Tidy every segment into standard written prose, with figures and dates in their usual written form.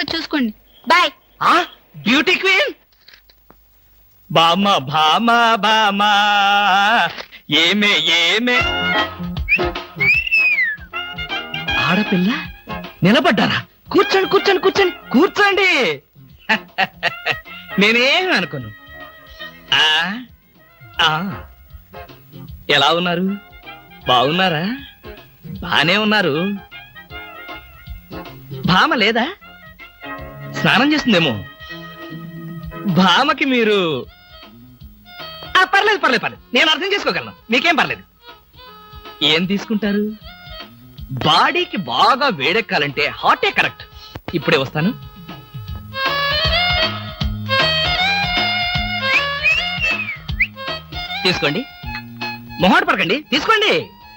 సంగతి చూసుకోండి. Bye. Beauty queen బామా భామా బామా ఏమే ఏమే ఆడపిల్ల నిలబడ్డారా? కూర్చోండి కూర్చోండి కూర్చోండి కూర్చోండి. నేనేం అనుకోను. ఎలా ఉన్నారు? బాగున్నారా? బానే ఉన్నారు. భామ లేదా? స్నానం చేస్తుందేమో. భామకి మీరు పర్లేదు పర్లేదు పర్లేదు, నేను అర్థం చేసుకోగలను, మీకేం పర్లేదు. ఏం తీసుకుంటారు? బాడీకి బాగా వేడెక్కాలంటే హాటే కరెక్ట్. ఇప్పుడే వస్తాను. తీసుకోండి, మొహాట పడకండి, తీసుకోండి.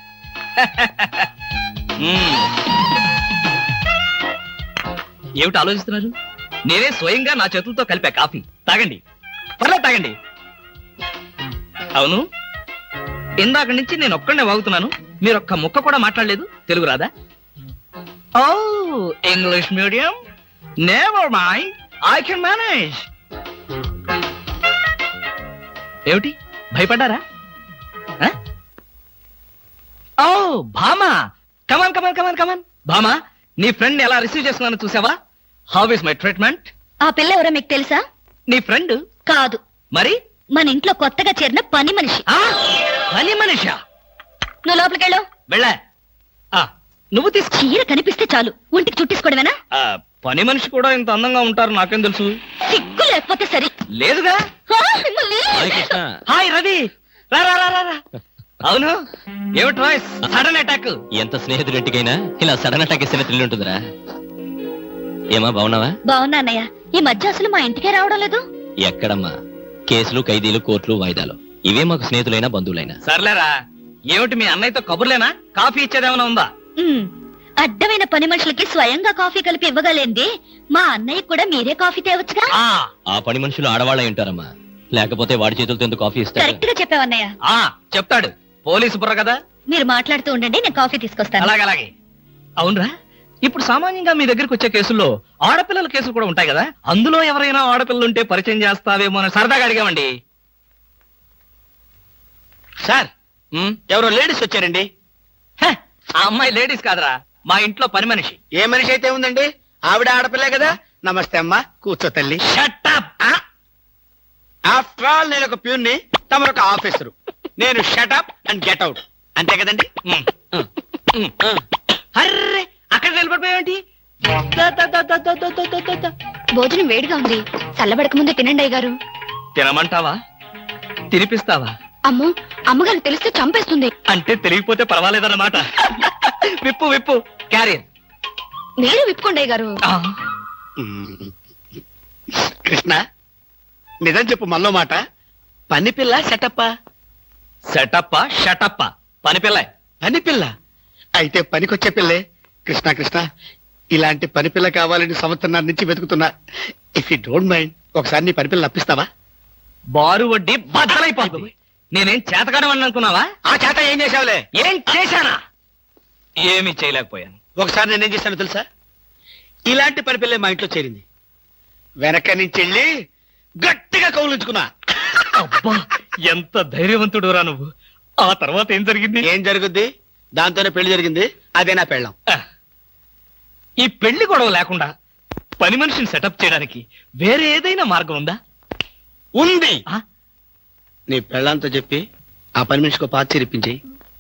ఏమిటి ఆలోచిస్తున్నారు? నేనే స్వయంగా నా చేతులతో కలిపా కాఫీ. తాగండి, పర్లేదు తాగండి. అవును, ఇందాక నుంచి నేను ఒక్కడనే వాగుతున్నాను, మీరు ఒక్క ముక్క కూడా మాట్లాడలేదు. తెలుగు రాదా? Oh English medium, never mind, I can manage. ఏమిటి భయపడ్డారా? ఓ భామా, కమాన్ కమాన్ కమాన్ కమాన్. భామా, నీ ఫ్రెండ్ ఎలా రిసీవ్ చేస్తున్నానో చూసావా? How is my treatment? ఆ పిల్ల ఎవరో మీకు తెలుసా? నీ ఫ్రెండ్ కాదు. మరి? మన ఇంట్లో కొత్తగా చేరిన పని మనిషి. పని మనిషా? నువ్వు లోపలికెళ్ళు. వెళ్ళా. నువ్వు తీసుకో. చీర కనిపిస్తే చాలు ఒంటికి చుట్టేసుకోవడమేనా? పని మనిషి కూడా ఇంత అందంగా ఉంటారు నాకేం తెలుసు. సిగ్గు లేకపోతే సరే. లేదుగా. హాయ్ రవి, రా రా రా రా. అవును, ఏమిటి వాయిస్? Sudden attack. ఎంత స్నేహితుడింటికైనా ఇలా సడన్ అటాక్ ఇస్తే థ్రిల్ ఉంటుందిరా. ఏమా బాగున్నావా? బాగున్నా అన్నయ్య. ఈ మధ్య అసలు మా ఇంటికే రావడం లేదు. ఎక్కడమ్మా, కేసులు, ఖైదీలు, కోర్టులు, వాయిదాలు, ఇవే మాకు స్నేహితులైనా బంధువులైనా. సర్లేరా, ఏమిటి మీ అన్నయ్యతో కబుర్లేనా? కాఫీ ఇచ్చేదేమైనా ఉందా? అడ్డమైన పని మనుషులకి స్వయంగా కాఫీ కలిపి ఇవ్వగలేంది మా అన్నయ్య కూడా మీరే కాఫీ తేవచ్చుగా. ఆ పని మనుషులు ఆడవాళ్ళై ఉంటారమ్మా, లేకపోతే వాడి చేతులతో ఎందుకు కాఫీ ఇస్తారు? కరెక్ట్ గా చెప్పావన్నయ్య. చెప్తాడు, పోలీసు బుర్ర కదా. మీరు మాట్లాడుతూ ఉండండి, నేను కాఫీ తీసుకొస్తాను. అలాగే. అవునరా, ఇప్పుడు సామాన్యంగా మీ దగ్గరికి వచ్చే కేసుల్లో ఆడపిల్లల కేసులు కూడా ఉంటాయి కదా, అందులో ఎవరైనా ఆడపిల్లలు ఉంటే పరిచయం చేస్తావేమో అని సరదాగా అడిగామండి. సార్, ఎవరో లేడీస్ వచ్చారండి. ఆ అమ్మాయి లేడీస్ కాదురా, మా ఇంట్లో పని మనిషి. ఏ మనిషి అయితే ఉందండి, ఆవిడ ఆడపిల్లే కదా. నమస్తే అమ్మా, కూర్చో తల్లి. ఆఫ్టర్ ఆల్ నేను ఒక ప్యూన్ని, తమరొక ఆఫీసరు. నేను షటప్ అండ్ గెట్ అవుట్, అంతే కదండి. అర్రే, అక్కడ నిలబడిపోయావేంటి? భోజనం వేడిగా ఉంది, చల్లబడక ముందే తినండి అయ్యగారు. తినమంటావా? తినిపిస్తావా? అమ్మో, అమ్మగారు తెలిస్తే చంపేస్తుంది. అంటే తెలియకపోతే పర్వాలేదన్నమాట. విప్పు విప్పు, క్యారియర్. మీరు విప్పుకోండి అయ్యగారు. కృష్ణ, నిజం చెప్పు, మనలో మాట. పని పిల్ల సెటప్పా? సెటప్పా షటప్పా? పని పిల్ల. పని పిల్ల అయితే పనికొచ్చే పిల్లే. కృష్ణ కృష్ణ, ఇలాంటి పని పిల్ల కావాలని సంవత్సరం నుంచి వెతుకుతున్నా. ఇఫ్ యూ డోంట్ మైండ్, ఒకసారి నీ పని పిల్ల అప్పిస్తావా? బారు వడ్డీ బద్దలైపోతుంది. నేనేం చేతకాడమని అనుకున్నావా? ఆ చేత ఏం చేసావులే? ఏం చేశానా? ఏమీ చేయలేకపోయాను. ఒకసారి నేనేం చేశాను తెలుసా? ఇలాంటి పని పిల్లే మా ఇంట్లో చేరింది. వెనక నుంచి వెళ్ళి గట్టిగా కౌలించుకున్నా. అబ్బా, ఎంత ధైర్యవంతుడు రా నువ్వు. ఆ తర్వాత ఏం జరిగింది? ఏం జరుగుద్ది? దాంతోనే పెళ్లి జరిగింది. అదే నా పెళ్ళం. ఈ పెళ్లి గొడవ లేకుండా పని మనిషిని సెటప్ చేయడానికి వేరే ఏదైనా మార్గం ఉందా? ఉంది. నీ పెళ్ళంతో చెప్పి ఆ పని మనిషికి పాత చేరిపించి.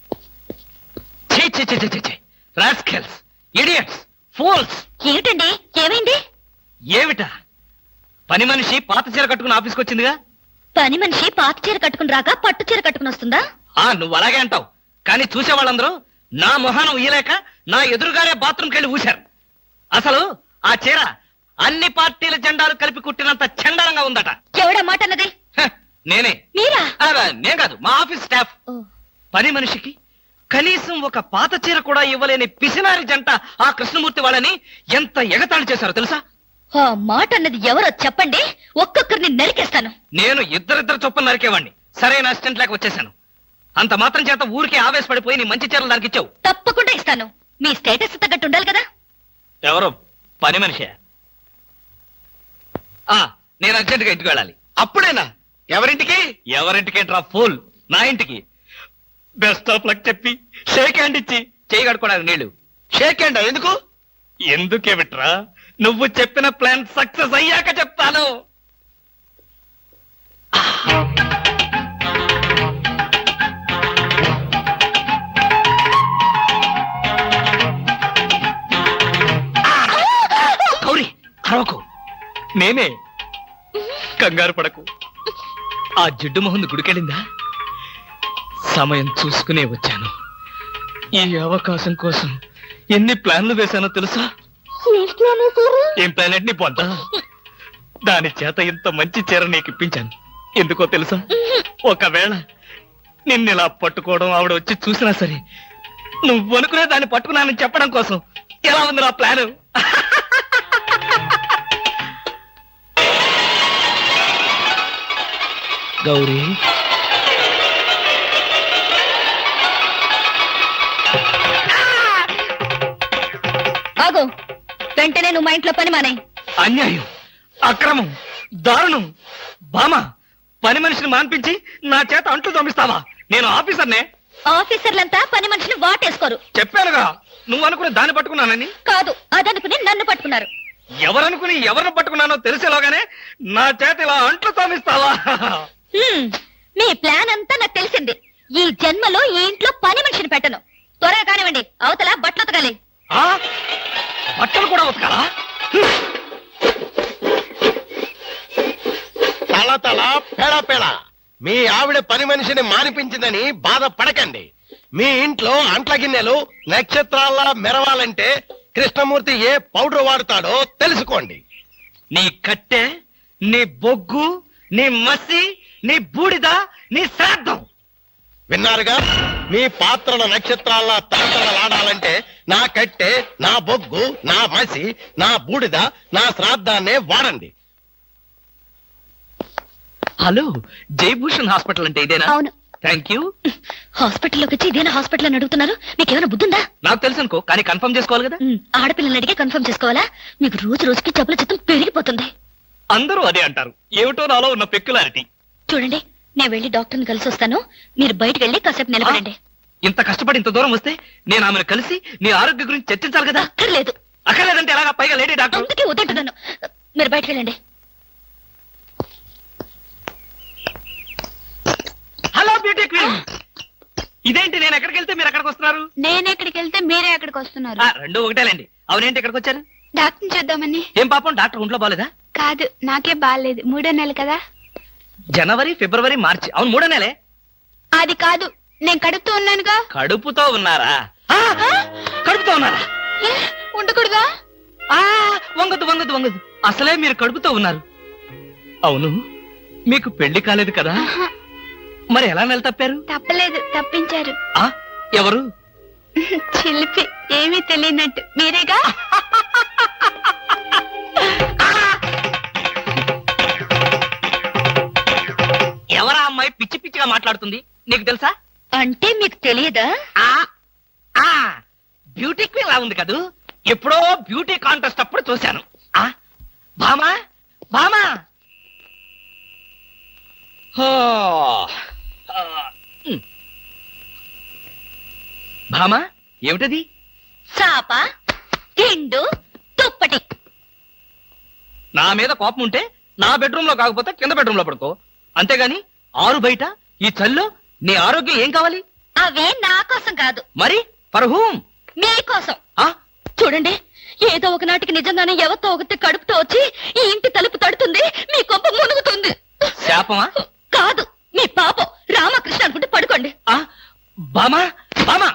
ఏమిటండి, ఏమైంది? ఏమిటా? పని మనిషి పాత చీర కట్టుకుని ఆఫీస్కి వచ్చిందిగా. పని మనిషి పాత చీర కట్టుకుని రాక పట్టు చీర కట్టుకుని వస్తుందా? నువ్వు అలాగే అంటావు, కానీ చూసే వాళ్ళందరూ నా మొహానం ఊయలేక నా ఎదురుగానే బాత్రూమ్కి వెళ్ళి ఊశారు. అసలు ఆ చీర అన్ని పార్టీల జెండాలు కలిపి కుట్టినంత చండాలంగా ఉందట. ఎవడా మాట అన్నది? నేనే. మీరా? నేను కాదు, మా ఆఫీస్ స్టాఫ్. పని మనిషికి కనీసం ఒక పాత చీర కూడా ఇవ్వలేని పిసినారి జంట ఆ కృష్ణమూర్తి వాళ్ళని ఎంత ఎగతాళి చేశారో తెలుసా? ఆ మాట అన్నది ఎవరో చెప్పండి, ఒక్కొక్కరిని నరికేస్తాను. నేను ఇద్దరిద్దరు చొప్పున నరికేవాడిని. సరైన అసిస్టెంట్ లేక వచ్చేసాను. అంత మాత్రం చేత ఊరికే ఆవేశపడిపోయి నీ మంచి చీరలు దానికి ఇచ్చావు. తప్పకుండా ఇస్తాను. మీ స్టేటస్ తగ్గట్టు ఉండాలి కదా. ఎవరో పని మనిషి? నేను అర్జెంట్ గా ఇంటికి వెళ్ళాలి. అప్పుడేనా? ఎవరింటికి? ఎవరింటికేంట్రా ఫూల్, నా ఇంటికి. బెస్ట్ ఆఫ్ లక్ చెప్పి షేక్ హ్యాండ్ ఇచ్చి చేయి కడుకోవడానికి నీళ్లు. షేక్ హ్యాండ్ ఎందుకు? ఎందుకే బిట్రా, నువ్వు చెప్పిన ప్లాన్ సక్సెస్ అయ్యాక చెప్తాను. గౌరీ అరవకు, నేనే. కంగారు పడకు. ఆ జిడ్డు మొహంది గుడికెళ్ళిందా? సమయం చూసుకునే వచ్చాను. ఈ అవకాశం కోసం ఎన్ని ప్లాన్లు వేశానో తెలుసా? ఏం ప్లాన్ అంటే నీ పొద్ద. దాని చేత ఇంత మంచి చీర నీకు ఇప్పించాను. ఎందుకో తెలుసా? ఒకవేళ నిన్నిలా పట్టుకోవడం ఆవిడ వచ్చి చూసినా సరే నువ్వు అనుకునే దాన్ని పట్టుకున్నానని చెప్పడం కోసం. ఎలా ఉంది నా ప్లాను? గౌరీ, ఆగు. వెంటనే నువ్వు మా ఇంట్లో పని మానే. అన్యాయం, అక్రమం, దారుణం. బామా, పని మనిషిని మాన్పించి నా చేత అంట్లు తోమిస్తావా? నేను ఆఫీసర్నే. ఆఫీసర్లంతా పని మనిషిని వాటేసుకోరు. చెప్పానుగా, నువ్వు అనుకుని దాన్ని పట్టుకున్నానని. కాదు, అదనుకుని నన్ను పట్టుకున్నారు. ఎవరనుకుని ఎవరిని పట్టుకున్నానో తెలిసేలోగానే నా చేత ఇలా అంట్లు తోమిస్తావా? మీ ప్లాన్ అంతా నాకు తెలిసింది. ఈ జన్మలో ఈ ఇంట్లో పని మనిషిని పెట్టను. త్వరగా కానివ్వండి, అవతల బట్టలు ఉతకాలి. ఆ? బట్టలు కూడా ఉతకాలా? తల తల పెడ పెడ మీ ఆవిడ పని మనిషిని మానిపించిందని బాధపడకండి. మీ ఇంట్లో అంట్ల గిన్నెలు నక్షత్రాల్లా మెరవాలంటే కృష్ణమూర్తి ఏ పౌడర్ వాడతాడో తెలుసుకోండి. నీ కట్టె, నీ బొగ్గు, నీ మసి, నీ బూడిద, నీ శ్రాద్ధం. విన్నారుగా? మీ పాత్రల నక్షత్రాల్లా తలతలలాడాలంటే నా కట్టె, నా బొగ్గు, నా మసి, నా బూడిద, నా శ్రాద్ధాన్నే వాడండి. హలో, జయభూషణ్ హాస్పిటల్ అంటే ఇదేనా? అవును. Thank you. హాస్పిటల్లోకి వచ్చి ఇదేనా హాస్పిటల్ అని అడుగుతున్నారు? మీకేమైనా బుద్ధుందా? నాకు తెలుసు అనుకో, కానీ కన్ఫర్మ్ చేసుకోవాలి కదా. ఆడపిల్లల్ని అడిగే కన్ఫర్మ్ చేసుకోవాలా? మీకు రోజు రోజుకి జబ్బుల చిత్తం పెరిగిపోతుంది. అందరూ అదే అంటారు. ఏమిటో నాలో ఉన్న పెక్యులారిటీ. చూడండి, నేను వెళ్ళి డాక్టర్ని కలిసి వస్తాను. మీరు బయటకు వెళ్ళి కాసేపు నిలబడండి. ఇంత కష్టపడి ఇంత దూరం వస్తే నేను ఆమెను కలిసి నీ ఆరోగ్య గురించి చర్చించాలి కదా. అక్కర్లేదు. అక్కర్లేదంటే ఎలాగా? పైగా లేడీ డాక్టర్. అందుకే వద్దంటున్నాను. మీరు బయటకు వెళ్ళండి. హలో బ్యూటీ క్వీన్, ఇదేంటి నేను ఎక్కడికి వెళ్తే మీరు ఎక్కడికి వస్తున్నారు? నేను ఎక్కడికి వెళ్తే మీరే ఎక్కడికి వస్తున్నారు? రెండు ఒకటేలేండి. అవునేంటి ఎక్కడికి వచ్చారు? డాక్టర్ చూద్దామని. ఏం పాపం, డాక్టర్ ఒంట్లో బాలేదా? కాదు, నాకే బాగాలేదు. 3వ నెల కదా. జనవరి, ఫిబ్రవరి, మార్చి. అవును, 3వ నెలే. అది కాదు, నేను కడుపుతూ ఉన్నానుగా. కడుపుతో ఉన్నారా? కడుపుతో ఉన్నారా? ఏ, ఉండకూడదా? వంగదు వంగదు వంగదు. అసలే మీరు కడుపుతో ఉన్నారు. అవును, మీకు పెళ్లి కాలేదు కదా? ఆహా, మరి ఎలా నెల తప్పారు? తప్పలేదు, తప్పించారు. ఎవరు? చిలిపి, ఏమీ తెలియనట్టు. మీరేగా? ఎవరా అమ్మాయి పిచ్చి పిచ్చిగా మాట్లాడుతుంది? నీకు తెలుసా? అంటే మీకు తెలియదా? బ్యూటీ క్వీన్ లా ఉంది కదూ. ఎప్పుడో బ్యూటీ కాంటెస్ట్ అప్పుడు చూశాను. భామా, భామా. భామా, ఏమిటది? చాప, తిండు, దుప్పటి. నా మీద కోపం ఉంటే నా బెడ్రూమ్ లో కాకపోతే కింద బెడ్రూమ్ లో పడుకో. అంతేగాని ఆరు బయట ఈ చల్లో నీ ఆరోగ్యం ఏం కావాలి? అవే నా కోసం కాదు. మరి ఫర్ హూమ్? మీకోసం. చూడండి, ఏదో ఒకనాటికి నిజంగానే ఎవరితో ఒకటి కడుపుతో వచ్చి ఈ ఇంటి తలుపు తడుతుంది, మీ కొంప మునుగుతుంది. శాపమా? కాదు, మీ పాపం. రామకృష్ణ అనుకుంటే పడుకోండి. బామా, బామా,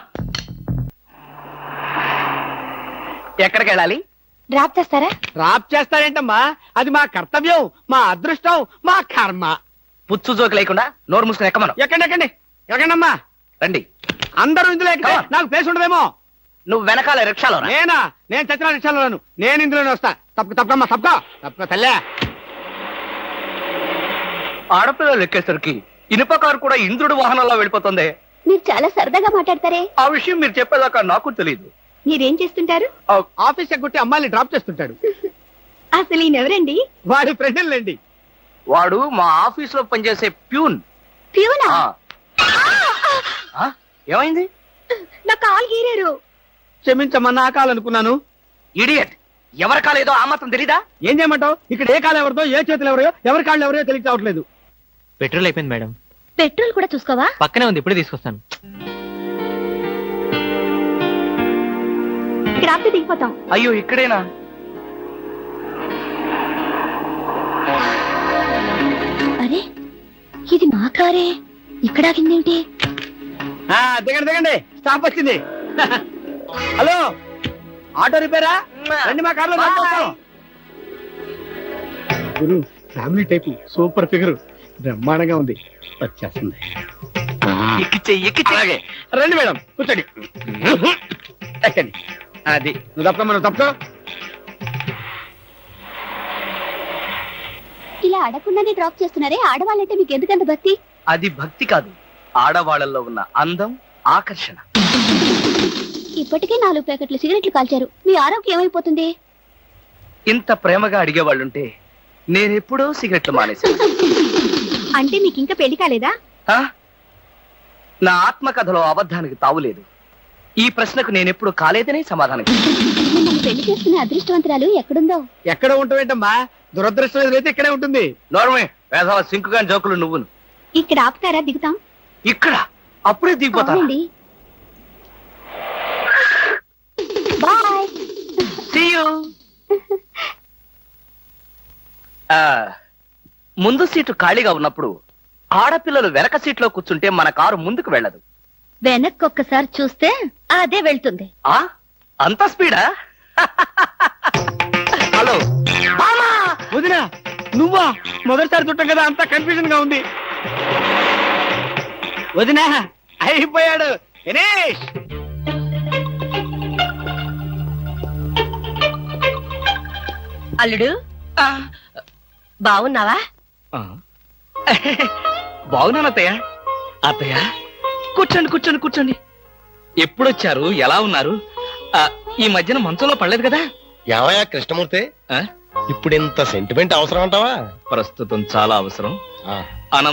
ఎక్కడికి వెళ్ళాలి? డ్రాప్ చేస్తారా? డ్రాప్ చేస్తారేంటమ్మా? అది మా కర్తవ్యం, మా అదృష్టం, మా కర్మ. పుచ్చు జోకి లేకుండా నోరు మూసుకుని ఎక్కమను. ఎక్కండి ఎక్కండి ఎక్కండమ్మా. రండి. అందరూ ఇందులో ఎక్కితే నాకు ప్లేస్ ఉండదేమో. నువ్వు వెనకాల రిక్షాలో రా. నేనా? నేను చచ్చిన రిక్షాలోను. నేను ఇందులోనే వస్తా. తప్పకమ్మా, తప్పక తల్లే. ఆడపిల్లలు ఎక్కేసరికి ఇనుప కారు కూడా ఇంద్రుడి వాహనంలో వెళ్ళిపోతుంది. మీరు చాలా సరదాగా మాట్లాడతారే. ఆ విషయం మీరు చెప్పేదాకా నాకు తెలియదు. మీరేం చేస్తుంటారు? ఆఫీస్ ఎగ్గొట్టి అమ్మాయిని డ్రాప్ చేస్తుంటాడు. అసలు ఈయనెవరండి? వాడి ఫ్రెండ్లండి. వాడు మా ఆఫీస్ లో పనిచేసే ప్యూన్. ప్యూనా? ఏమైంది? నా కాలు గీరారు. క్షమించమ్మా, నా కాలనుకున్నాను. ఇడియట్, ఎవరి కాలేదో ఆ మాత్రం తెలీదా? ఏం చేయమంటావు? ఇక్కడ ఏ కాలు ఎవరితో, ఏ చేతులు ఎవరో, ఎవరి కాళ్ళు ఎవరో తెలియక రావట్లేదు. పెట్రోల్ అయిపోయింది మేడం. పెట్రోల్ కూడా చూసుకోవా? పక్కనే ఉంది, ఇప్పుడే తీసుకొస్తాను. ఇక్కడ ఆపితే దిగిపోతాం. అయ్యో, ఇక్కడేనా? అరే, ఇది మా కారే. ఇక్కడ ఆగిందేంటి? దిగండి దిగండి, స్టాప్ వచ్చింది. హలో, ఆటో రిపేరా? రండి మా కార్లో. గురు, ఫ్యామిలీ టైపు, సూపర్ ఫిగర్, బ్రహ్మాండంగా ఉంది. వచ్చేస్తుంది. అలాగే రండి మేడం, కూర్చోండి. ఎక్కండి. అది నువ్వు తప్పమ్మా, నువ్వు తప్పుకో. ఇలా అడగకుండానే డ్రాప్ చేస్తున్నారే, ఆడవాళ్ళంటే మీకు ఎందుకంత భక్తి? అది భక్తి కాదు, ఆడవాళ్ళల్లో ఉన్న అందం, ఆకర్షణ. ఇప్పటికే 4 ప్యాకెట్లు సిగరెట్లు కాల్చారు. మీ ఆరోగ్యం ఏమైపోతుంది? ఇంత ప్రేమగా అడిగేవాళ్ళుంటే నేనెప్పుడో సిగరెట్లు మానేశాను. అంటే మీకు ఇంకా పెళ్లి కాలేదా? ఆ? నా ఆత్మకథలో అబద్ధానికి తావులేదు. ఈ ప్రశ్నకు నేనెప్పుడు కాలేదనే సమాధానం ఇస్తాను. మిమ్మల్ని పెళ్లి చేసుకునే అదృష్టవంతురాలు ఎక్కడుందో? ఎక్కడ ఉంటావేంటమ్మా, దురదృష్టం ఎదురైతే ఇక్కడే ఉంటుంది. నోర్మే, వేసవ సింకుగా జోకులు నువ్వును. ఇక్కడ ఆపుతారా? దిగుతాం. ఇక్కడ అప్పుడే దిగిపోతాను. అవునండి. బాయ్. See you. ముందు సీటు ఖాళీగా ఉన్నప్పుడు ఆడపిల్లలు వెనక సీట్లో కూర్చుంటే మన కారు ముందుకు వెళ్ళదు. వెనక్కి ఒక్కసారి చూస్తే అదే వెళ్తుంది. ఆ అంత స్పీడా? హలో వదినా, నువ్వా? మొదటిసారి చుట్టం కదా, అంతా కన్ఫ్యూజన్ గా ఉంది. వదినా, అయిపోయాడు దినేష్. అల్లుడు, బాగున్నావా? బాగున్నాను అత్తయ్య. అత్తయ్య, కూర్చోండి కూర్చోండి కూర్చోండి. ఎప్పుడొచ్చారు? ఎలా ఉన్నారు? ఈ మధ్యన మంచంలో పడలేదు కదా? ఏమయ్యా కృష్ణమూర్తి, ఆ? ఇప్పుడు ఇంత సెంటిమెంట్ అవసరం అంటావా? ప్రస్తుతం చాలా అవసరం. ఆ.